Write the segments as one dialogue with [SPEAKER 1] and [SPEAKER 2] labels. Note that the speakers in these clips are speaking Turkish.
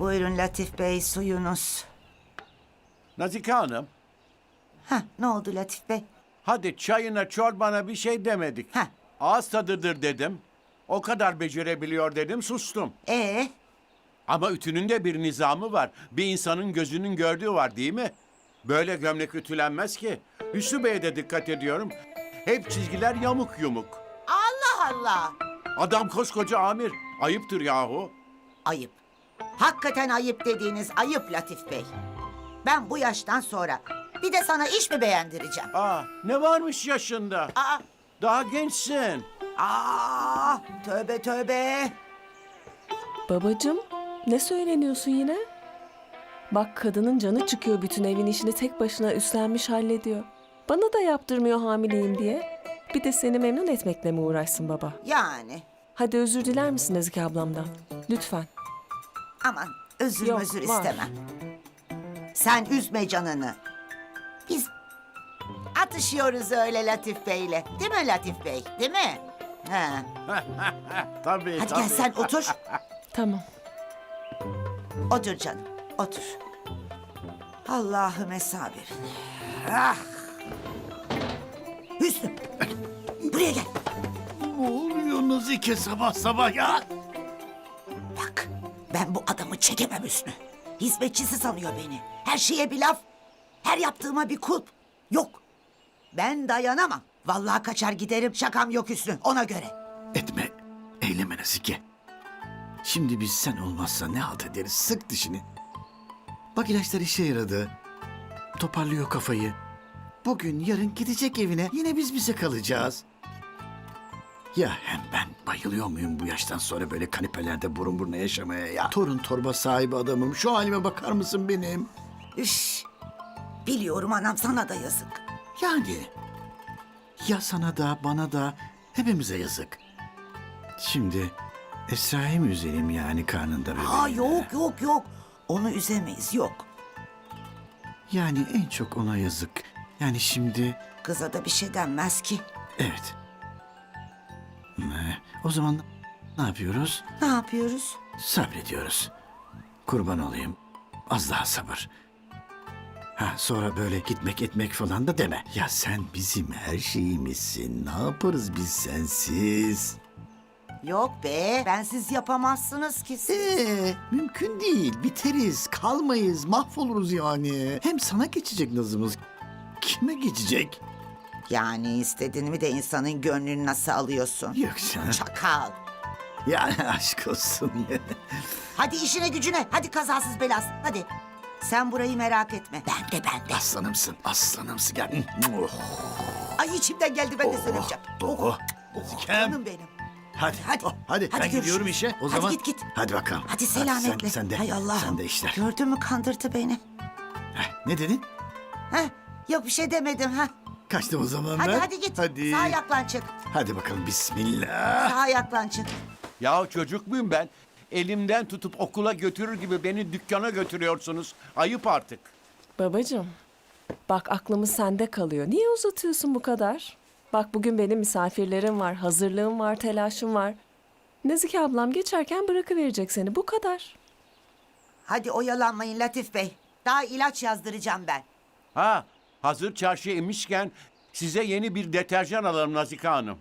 [SPEAKER 1] Buyurun Latif Bey, suyunuz.
[SPEAKER 2] Nazike Hanım,
[SPEAKER 1] Ne oldu Latif Bey?
[SPEAKER 2] hadi çayına çorbana bir şey demedik.
[SPEAKER 1] Heh.
[SPEAKER 2] Ağız tadıdır dedim. O kadar becerebiliyor dedim, sustum. Ama ütünün de bir nizamı var. Bir insanın gözünün gördüğü var değil mi? Böyle gömlek ütülenmez ki. Hüsnü Bey'e de dikkat ediyorum. Hep çizgiler yamuk yumuk.
[SPEAKER 1] Allah Allah!
[SPEAKER 2] Adam koskoca amir. Ayıptır yahu.
[SPEAKER 1] Ayıp. Hakikaten ayıp dediğiniz ayıp Latif Bey. Ben bu yaştan sonra bir de sana iş mi beğendireceğim?
[SPEAKER 2] Ne varmış yaşında?
[SPEAKER 1] Aa,
[SPEAKER 2] Daha gençsin.
[SPEAKER 1] tövbe tövbe.
[SPEAKER 3] Babacığım, ne söyleniyorsun yine? Bak kadının canı çıkıyor, bütün evin işini tek başına üstlenmiş hallediyor. Bana da yaptırmıyor hamileyim diye. Bir de seni memnun etmekle mi uğraşsın baba?
[SPEAKER 1] Yani
[SPEAKER 3] Hadi özür diler misin Ezgi ablamdan? Lütfen.
[SPEAKER 1] aman özür
[SPEAKER 3] Yok,
[SPEAKER 1] özür
[SPEAKER 3] var.
[SPEAKER 1] istemem. Sen üzme canını. Biz atışıyoruz öyle Latif Bey'le. Değil mi Latif Bey? Değil mi? Ha.
[SPEAKER 2] Tabii
[SPEAKER 1] Hadi
[SPEAKER 2] tabii.
[SPEAKER 1] gel sen otur.
[SPEAKER 3] Tamam.
[SPEAKER 1] Otur canım, otur. Allah'ım sabir. Ah! Hüsnü, buraya gel.
[SPEAKER 4] Ne oluyor Nazike sabah sabah ya?
[SPEAKER 1] Bak, ben bu adamı çekemem Hüsnü. Hizmetçisi sanıyor beni. Her şeye bir laf, her yaptığıma bir kulp. Yok, ben dayanamam. Vallahi kaçar giderim, şakam yok Hüsnü, ona göre.
[SPEAKER 4] Etme, eyleme Nazike. Şimdi biz sen olmazsa ne halt ederiz? Sık dişini. Bak ilaçlar işe yaradı. Toparlıyor kafayı. Bugün yarın gidecek evine. Yine biz bize kalacağız. Ya hem ben bayılıyor muyum bu yaştan sonra böyle kanepelerde burun buruna yaşamaya ya? Torun torba sahibi adamım. Şu halime bakar mısın benim?
[SPEAKER 1] Üş, biliyorum anam, sana da yazık.
[SPEAKER 4] Yani ya sana da bana da hepimize yazık. Şimdi Esra'yı mı üzelim yani karnında bebeğine?
[SPEAKER 1] Yok, onu üzemeyiz, yok.
[SPEAKER 4] Yani en çok ona yazık. Yani şimdi
[SPEAKER 1] Kıza da bir şey denmez ki.
[SPEAKER 4] evet. O zaman ne yapıyoruz?
[SPEAKER 1] Ne yapıyoruz?
[SPEAKER 4] Sabrediyoruz. Kurban olayım. Az daha sabır. Sonra böyle gitmek etmek falan da deme. Ya sen bizim her şeyimizsin. Ne yaparız biz sensiz?
[SPEAKER 1] Yok be, bensiz yapamazsınız ki siz.
[SPEAKER 4] Mümkün değil. Biteriz, kalmayız, mahvoluruz yani. Hem sana geçecek nazımız. Kime geçecek?
[SPEAKER 1] Yani istediğini de insanın gönlünü nasıl alıyorsun?
[SPEAKER 4] Yok canım.
[SPEAKER 1] Çakal.
[SPEAKER 4] Yani aşk olsun ya.
[SPEAKER 1] Hadi işine gücüne, hadi kazasız belasız, hadi. Sen burayı merak etme, ben de.
[SPEAKER 4] Aslanımsın, aslanımsın. Gel. Oh,
[SPEAKER 1] Ay içimden geldi, ben de söyleyeceğim. Canım benim.
[SPEAKER 4] Hadi,
[SPEAKER 1] Hadi,
[SPEAKER 4] hadi. Ben
[SPEAKER 1] görüşürüz.
[SPEAKER 4] gidiyorum işe. O
[SPEAKER 1] Hadi
[SPEAKER 4] zaman.
[SPEAKER 1] git.
[SPEAKER 4] Hadi bakalım.
[SPEAKER 1] Hadi selametle.
[SPEAKER 4] Sen de.
[SPEAKER 1] Hay Allah'ım.
[SPEAKER 4] Sen de işler.
[SPEAKER 1] Gördün mü, kandırdı beni.
[SPEAKER 4] Ne dedin?
[SPEAKER 1] Heh, yok bir şey demedim ha.
[SPEAKER 4] Kaçtım o zaman
[SPEAKER 1] Hadi
[SPEAKER 4] ben.
[SPEAKER 1] hadi git.
[SPEAKER 4] Hadi.
[SPEAKER 1] Sağ ayaklan çık.
[SPEAKER 4] Hadi bakalım bismillah.
[SPEAKER 1] Sağ ayaklan çık.
[SPEAKER 2] Ya çocuk muyum ben? Elimden tutup okula götürür gibi beni dükkana götürüyorsunuz. Ayıp artık.
[SPEAKER 3] Babacığım, bak aklımız sende kalıyor. Niye uzatıyorsun bu kadar? Bak bugün benim misafirlerim var, hazırlığım var, telaşım var. Nezike ablam geçerken bırakıverecek seni, bu kadar.
[SPEAKER 1] Hadi oyalanmayın Latif Bey. Daha ilaç yazdıracağım ben.
[SPEAKER 2] Hazır çarşıya inmişken size yeni bir deterjan alalım Nazike Hanım.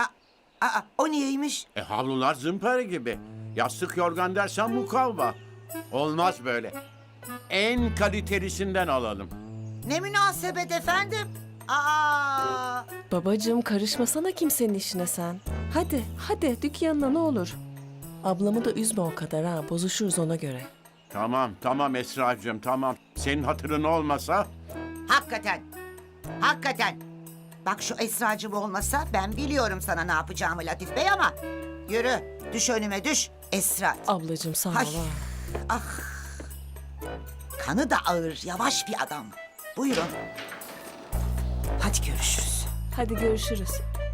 [SPEAKER 1] O niyeymiş?
[SPEAKER 2] Havlular zımpara gibi. Yastık yorgan dersen mukavva. Olmaz böyle. En kalitelisinden alalım.
[SPEAKER 1] Ne münasebet efendim?
[SPEAKER 3] Babacığım karışmasana kimsenin işine sen. Hadi dükkanına ne olur. Ablamı da üzme o kadar ha, bozuşuruz ona göre.
[SPEAKER 2] Tamam Esra'cığım tamam. Senin hatırın olmasa
[SPEAKER 1] Hakikaten. Bak şu Esracığım olmasa ben biliyorum sana ne yapacağımı Latif Bey ama... Yürü, düş önüme düş. Esra.
[SPEAKER 3] Ablacığım sağ ol
[SPEAKER 1] Ay.
[SPEAKER 3] ha.
[SPEAKER 1] Kanı da ağır, yavaş bir adam. Buyurun. Hadi görüşürüz.
[SPEAKER 3] Hadi görüşürüz.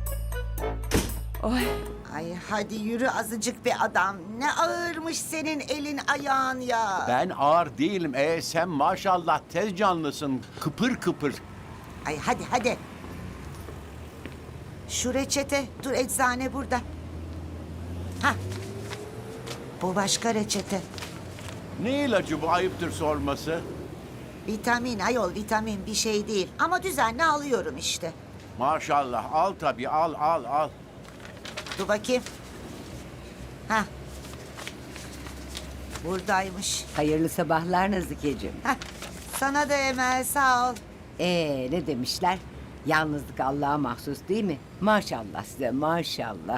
[SPEAKER 3] Oy.
[SPEAKER 1] Ay hadi yürü azıcık bir adam. Ne ağırmış senin elin ayağın ya.
[SPEAKER 2] ben ağır değilim. Sen maşallah tez canlısın. Kıpır kıpır.
[SPEAKER 1] Ay hadi. Şu reçete, dur eczane burada. Bu başka reçete.
[SPEAKER 2] Ne ilacı bu, ayıptır sorması?
[SPEAKER 1] Vitamin ayol, vitamin bir şey değil. Ama düzenli alıyorum işte.
[SPEAKER 2] Maşallah, al tabii, al.
[SPEAKER 1] Dur bakayım. Hah. Buradaymış.
[SPEAKER 5] Hayırlı sabahlar Nazikeciğim.
[SPEAKER 1] Heh. Sana da Emel, sağ ol.
[SPEAKER 5] Ne demişler? Yalnızlık Allah'a mahsus değil mi? Maşallah size maşallah.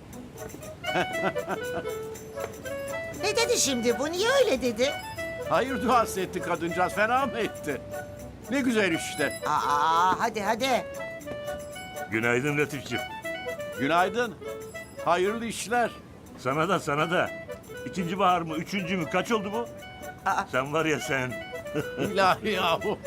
[SPEAKER 1] Ne dedi şimdi bu? Niye öyle dedi?
[SPEAKER 2] Hayır duası etti kadıncağız, fena mı etti? Ne güzel işte.
[SPEAKER 1] Hadi.
[SPEAKER 6] Günaydın Latifciğim.
[SPEAKER 2] Günaydın. Hayırlı işler.
[SPEAKER 6] Sana da. İkinci bahar mı, üçüncü mü? Kaç oldu bu? Sen var ya sen.
[SPEAKER 2] İlahi yahu.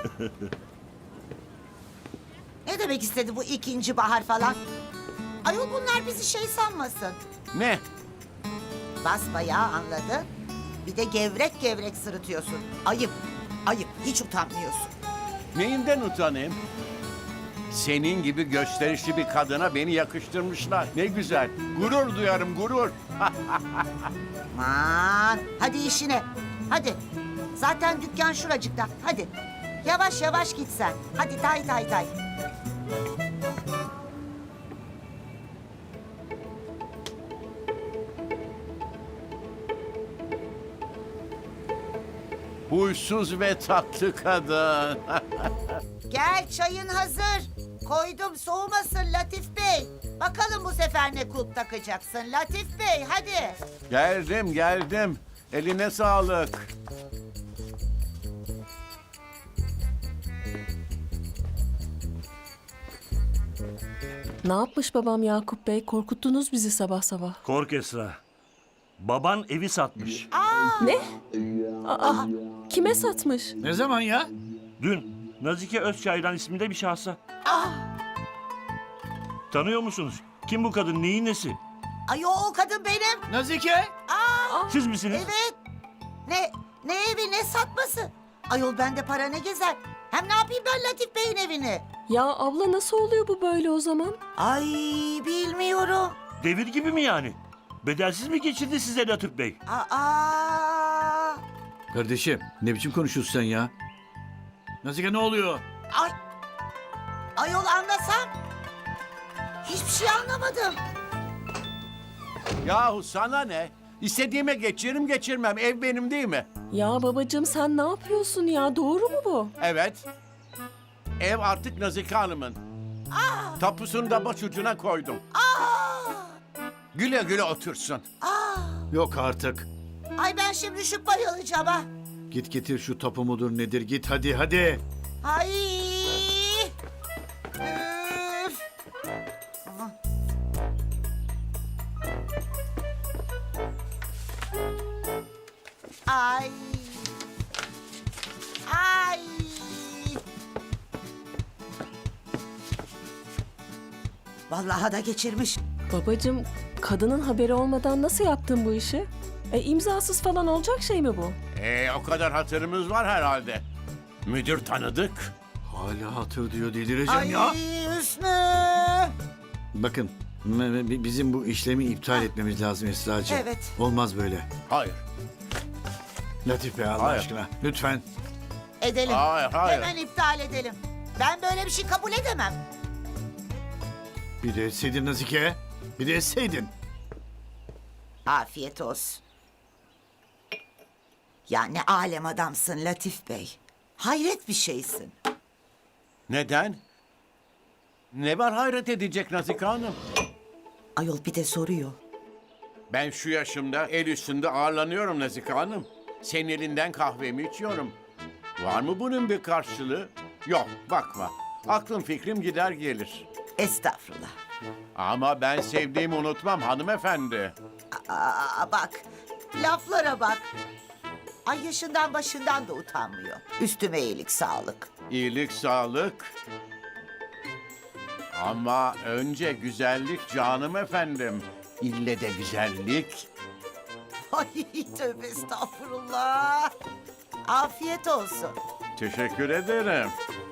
[SPEAKER 1] Ne demek istedi bu ikinci bahar falan? Ayol bunlar bizi şey sanmasın.
[SPEAKER 2] Ne?
[SPEAKER 1] Basbayağı anladın. Bir de gevrek gevrek sırıtıyorsun. Ayıp, hiç utanmıyorsun.
[SPEAKER 2] Neyinden utanayım? Senin gibi gösterişli bir kadına beni yakıştırmışlar. Ne güzel. Gurur duyarım, gurur.
[SPEAKER 1] Aman, hadi işine. Hadi. Zaten dükkan şuracıkta. Hadi. Yavaş yavaş git sen. Hadi tay.
[SPEAKER 2] Huysuz ve tatlı kadın.
[SPEAKER 1] Gel, çayın hazır. Koydum, soğumasın Latif Bey. Bakalım bu sefer ne kulp takacaksın Latif Bey, hadi.
[SPEAKER 2] Geldim. Eline sağlık.
[SPEAKER 3] Ne yapmış babam Yakup Bey? Korkuttunuz bizi sabah sabah.
[SPEAKER 6] Kork Esra. Baban evi satmış.
[SPEAKER 3] Ne? Aa, kime satmış?
[SPEAKER 4] Ne zaman ya?
[SPEAKER 6] Dün Nazike Özçaylan isminde bir şahsa. Tanıyor musunuz? Kim bu kadın? Neyin nesi?
[SPEAKER 1] Ay o kadın benim.
[SPEAKER 4] Nazike?
[SPEAKER 6] Siz misiniz?
[SPEAKER 1] Evet. Ne evi ne satması? Ayol bende para ne gezer? Hem ne yapayım ben Latif Bey'in evini?
[SPEAKER 3] Ya abla nasıl oluyor bu böyle o zaman?
[SPEAKER 1] Ay bilmiyorum.
[SPEAKER 6] Devir gibi mi yani? Bedelsiz mi geçirdi size Latif Bey?
[SPEAKER 1] Aa.
[SPEAKER 4] Kardeşim ne biçim konuşuyorsun sen ya? Nazike ne oluyor?
[SPEAKER 1] Ay. Ayol anlasam. Hiçbir şey anlamadım.
[SPEAKER 2] Yahu sana ne? İstediğime geçiririm geçirmem. Ev benim değil mi?
[SPEAKER 3] Ya babacığım sen ne yapıyorsun ya? Doğru mu bu?
[SPEAKER 2] Evet. Ev artık Nazike Hanım'ın. Tapusunu da başucuna koydum. Güle güle otursun.
[SPEAKER 4] Yok artık.
[SPEAKER 1] Ay ben şimdi düşüp bayılacağım ha.
[SPEAKER 4] Git getir şu tapu mudur nedir git hadi.
[SPEAKER 1] Ay. Üf. Ay. Ay. Vallahi da geçirmiş.
[SPEAKER 3] Babacığım kadının haberi olmadan nasıl yaptın bu işi? İmzasız falan olacak şey mi bu?
[SPEAKER 2] O kadar hatırımız var herhalde. Müdür tanıdık.
[SPEAKER 4] Hala hatır diyor delireceğim
[SPEAKER 1] Ay
[SPEAKER 4] ya.
[SPEAKER 1] Hüsnü.
[SPEAKER 4] Bakın bizim bu işlemi iptal etmemiz lazım Esra'cığım.
[SPEAKER 1] Evet.
[SPEAKER 4] Olmaz böyle.
[SPEAKER 2] Hayır.
[SPEAKER 4] Latif Bey Allah
[SPEAKER 2] Hayır.
[SPEAKER 4] aşkına lütfen.
[SPEAKER 1] Edelim.
[SPEAKER 2] Hayır.
[SPEAKER 1] Hemen iptal edelim. Ben böyle bir şey kabul edemem.
[SPEAKER 4] Bir de etseydin Nazike. Bir de etseydin.
[SPEAKER 1] Afiyet olsun. Ya ne alem adamsın Latif Bey. Hayret bir şeysin.
[SPEAKER 2] Neden? Ne var hayret edecek Nazike Hanım?
[SPEAKER 1] Ayol bir de soruyor.
[SPEAKER 2] Ben şu yaşımda el üstünde ağırlanıyorum Nazike Hanım. Senin elinden kahvemi içiyorum. Var mı bunun bir karşılığı? Yok, bakma. Aklım fikrim gider gelir.
[SPEAKER 1] Estağfurullah.
[SPEAKER 2] Ama ben sevdiğimi unutmam hanımefendi.
[SPEAKER 1] Bak, laflara bak. Ay yaşından başından da utanmıyor. Üstüme iyilik sağlık.
[SPEAKER 2] İyilik, sağlık. Ama önce güzellik canım efendim. İlle de güzellik.
[SPEAKER 1] Ay tövbe estağfurullah. Afiyet olsun.
[SPEAKER 2] Teşekkür ederim.